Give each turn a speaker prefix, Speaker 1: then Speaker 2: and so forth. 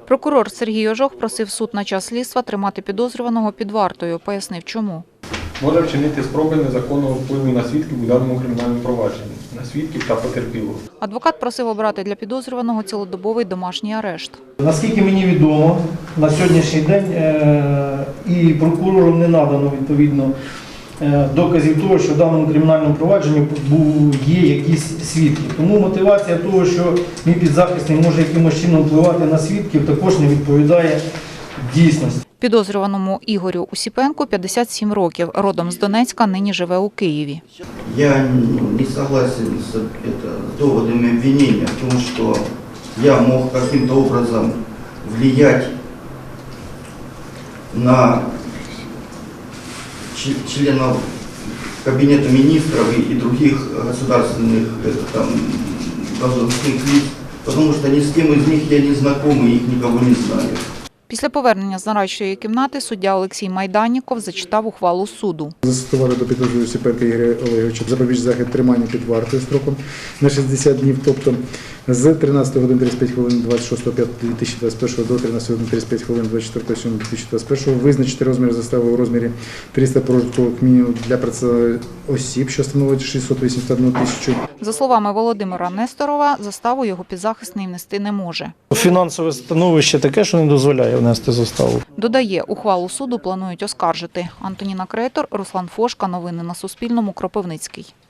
Speaker 1: Прокурор Сергій Ожох просив суд на час слідства тримати підозрюваного під вартою. Пояснив, чому.
Speaker 2: Може вчинити спроби незаконного впливу на свідків у даному кримінальному провадженні, на свідків та потерпілих.
Speaker 1: Адвокат просив обрати для підозрюваного цілодобовий домашній арешт.
Speaker 3: Наскільки мені відомо, на сьогоднішній день і прокурору не надано відповідно доказів того, що в даному кримінальному провадженні є якісь свідки. Тому мотивація того, що мій підзахисний може якимось чином впливати на свідків, також не відповідає дійсності.
Speaker 1: Підозрюваному Ігорю Усіпенку 57 років. Родом з Донецька, нині живе у Києві.
Speaker 4: Я не согласен с доводами обвинения в том, что я мог каким-то образом влиять на членов Кабинета министров и других государственных должностных лиц, потому что ни с кем из них я не знаком и их никого не знаю.
Speaker 1: Після повернення з нарадчої кімнати суддя Олексій Майданніков зачитав ухвалу суду.
Speaker 5: Застосувати до підозрюваного Усіпенка Ігоря Олеговича запобіжний захід тримання під вартою строком на 60 днів, тобто з 13 годин 35 хвилин 26.05.2021 до 13 годин 35 хвилин 24.07.2021 визначити розмір застави у розмірі 300 прожиткових мінімумів для осіб, що становить 681 тисячу.
Speaker 1: За словами Володимира Несторова, заставу його підзахисний внести не може.
Speaker 3: Фінансове становище таке, що не дозволяє внести заставу.
Speaker 1: Додає, ухвалу суду планують оскаржити. Антоніна Крейтор, Руслан Фошка. Новини на Суспільному. Кропивницький.